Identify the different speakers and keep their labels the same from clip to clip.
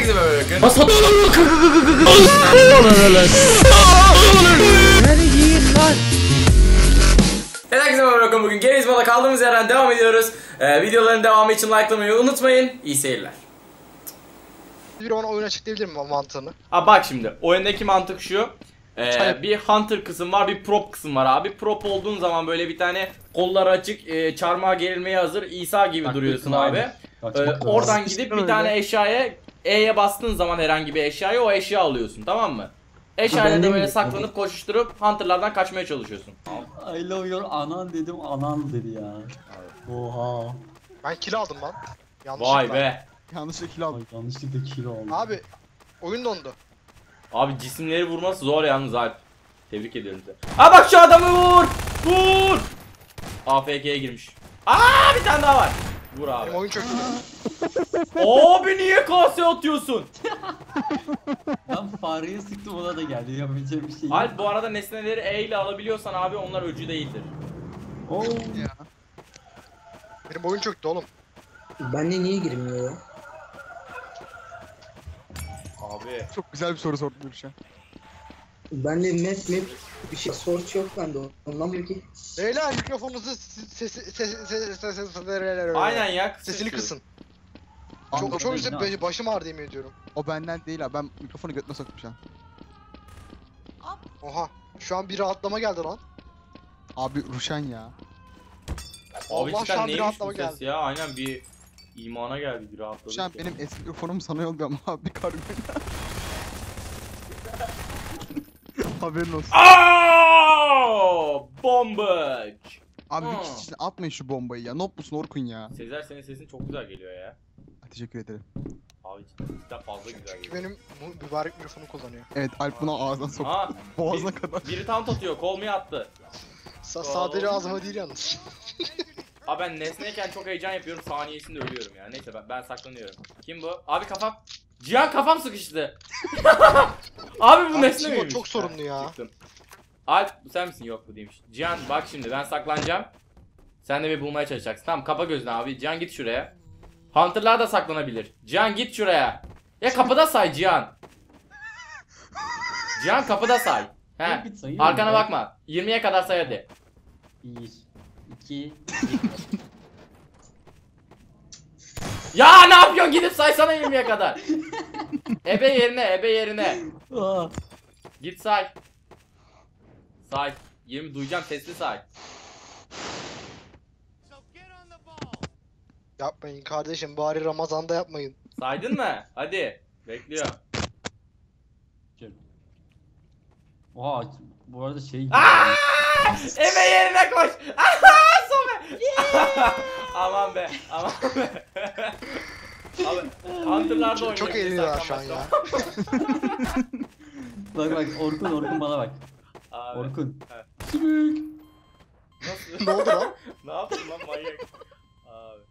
Speaker 1: Herkese böyle bakın. Herkese böyle bakın. Bugün Games Mode'a kaldığımız yerden devam ediyoruz. Videoların devamı için likelamayı unutmayın. İyi seyirler.
Speaker 2: Bir ona oyun açıklayabilir miyim mantığını?
Speaker 1: Abi bak şimdi oyundaki mantık şu. Bir hunter kısım var, bir prop kısım var abi. Prop olduğun zaman böyle bir tane kolları açık, çarmıha gerilmeye hazır İsa gibi duruyorsun abi. Oradan gidip bir tane eşyaya E'ye bastığın zaman herhangi bir eşyaya o eşya alıyorsun, tamam mı? Eşyayla da böyle saklanıp koşuşturup hunterlardan kaçmaya çalışıyorsun.
Speaker 3: I love your anan dedim, anan dedi ya. Oha.
Speaker 2: Ben kill aldım lan. Yanlışlıkla.
Speaker 1: Vay be.
Speaker 2: Yanlışlıkla kill aldım.
Speaker 3: Ay, yanlışlıkla kilo aldım.
Speaker 2: Abi oyun dondu.
Speaker 1: Abi cisimleri vurması zor yalnız Alp. Tebrik ediyorum size. Aa bak şu adamı vur! Vur! AFK'ye girmiş. Aa bir tane daha var. Vur abi.
Speaker 2: Benim oyun çöktü.
Speaker 1: Abi niye kase atıyorsun?
Speaker 3: Ben fareye sıktım, ona da geldi. Yapabileceğim bir şey yok.
Speaker 1: Alp bu arada nesneleri E ile alabiliyorsan abi onlar öcü değildir.
Speaker 3: Oo.
Speaker 2: Ya. Benim oyun çöktü oğlum.
Speaker 4: Bende niye girmiyor ya?
Speaker 1: Abi.
Speaker 5: Çok güzel bir soru sordun Gülşen.
Speaker 4: Bende map bir şey source yok bende ondan belki.
Speaker 2: Beyler mikrofonunuzu
Speaker 1: Aynen ya.
Speaker 2: sesini kısın.
Speaker 3: Anladım,
Speaker 2: Çok
Speaker 3: ne
Speaker 2: güzel başım ağrıdı yemin ediyorum.
Speaker 5: O benden değil abi, ben mikrofonu götüme soktum şu an.
Speaker 2: Oha. Şu an bir rahatlama geldi lan.
Speaker 5: Abi Ruşen ya.
Speaker 1: Abi
Speaker 2: Allah şu
Speaker 1: cidden
Speaker 2: an bir
Speaker 1: neymiş bu
Speaker 2: rahatlama
Speaker 1: ses
Speaker 2: geldi.
Speaker 1: ya? Aynen bir imana geldi, bir rahatladık.
Speaker 5: Ruşen
Speaker 1: ya.
Speaker 5: benim eski mikrofonum sana yolluyor ama abi kargo. Haberin olsun.
Speaker 1: Aaaa! Bombaj!
Speaker 5: Abi bir kişi için atmayın şu bombayı ya. Nop musun Orkun ya?
Speaker 1: Sezer senin sesin çok güzel geliyor ya.
Speaker 5: Teşekkür ederim.
Speaker 1: Abi cidden fazla güzel geliyor.
Speaker 2: Benim mübarek mikrofonu kullanıyor.
Speaker 5: Evet, Alp buna ağzına sok.
Speaker 1: Aa,
Speaker 5: Boğazına kadar.
Speaker 1: biri taunt atıyor, kol mu attı?
Speaker 2: Sadece ağzıma değil yalnız.
Speaker 1: Abi ben nesneyken çok heyecan yapıyorum, saniyesinde ölüyorum ya. Neyse ben saklanıyorum. Kim bu? Abi kafam. Cihan kafam sıkıştı. Abi bu
Speaker 2: Abi
Speaker 1: nesne
Speaker 2: Timo
Speaker 1: miymiş?
Speaker 2: çok sorunlu ya.
Speaker 1: Çıktım. Alp sen misin? Yok bu değilmiş. Cihan bak şimdi ben saklanacağım. Sen de bir bulmaya çalışacaksın. Tamam kapa gözünü abi. Cihan git şuraya. Hunter'lar da saklanabilir. Cihan git şuraya. Ya kapıda say Cihan. Cihan kapıda say. He.
Speaker 3: Bir sayıyorum
Speaker 1: Arkana
Speaker 3: ya.
Speaker 1: bakma. 20'ye kadar say hadi.
Speaker 3: 1, 2,
Speaker 1: Ya ne yapıyorsun? Gidip saysana 20'ye kadar. Ebe yerine, ebe yerine.
Speaker 3: Aa.
Speaker 1: Git say. Say. 20 duyacağım, sesli say.
Speaker 2: Yapmayın kardeşim, bari Ramazan'da yapmayın.
Speaker 1: Saydın mı? Hadi. Bekliyorum.
Speaker 3: Oha, bu arada şey...
Speaker 1: Aaaa! Ebe yerine koş. Aha! Sobe. Aman be. Aman be. Abi Hunter'larda oynuyor.
Speaker 2: Çok eğleniyorlar şu an ya.
Speaker 3: Bak Orkun bana bak.
Speaker 1: Abi.
Speaker 3: Orkun.
Speaker 1: Evet.
Speaker 3: Sümük.
Speaker 1: Nasıl?
Speaker 2: Ne oldu lan?
Speaker 1: Ne yaptın lan manyak? Abi.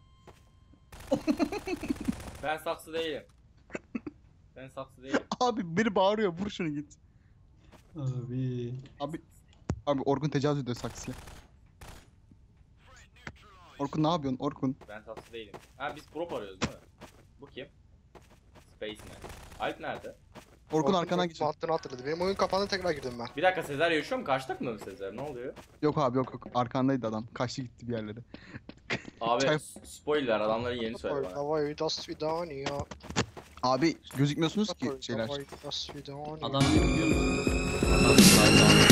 Speaker 1: Ben saksı değilim. Ben saksı değilim.
Speaker 5: Abi biri bağırıyor, vur şunu git.
Speaker 3: Abi.
Speaker 5: Abi Orkun tecavüz ediyor saksıya. Orkun ne yapıyorsun Orkun?
Speaker 1: Ben saksı değilim. Ha biz prop arıyoruz değil mi? Bu kim? Spaceman. Alp nerede?
Speaker 5: Orkun arkandan geçiyor.
Speaker 2: Mantığını hatırladı. Benim oyun kapandı, tekrar girdim ben.
Speaker 1: Bir dakika Sezer yaşıyor mu? Karşı takımda mı Sezer? Ne oluyor?
Speaker 5: Yok abi yok. Arkandaydı adam. Kaçtı gitti bir yerlere.
Speaker 1: Abi
Speaker 5: Çay-
Speaker 1: spoiler adamların yerini söyle bana.
Speaker 2: Davay das svidaniya.
Speaker 5: Abi gözükmüyorsunuz ki şeyler.
Speaker 2: Davay das svidaniya.
Speaker 3: Adam ne biliyor musun? Adam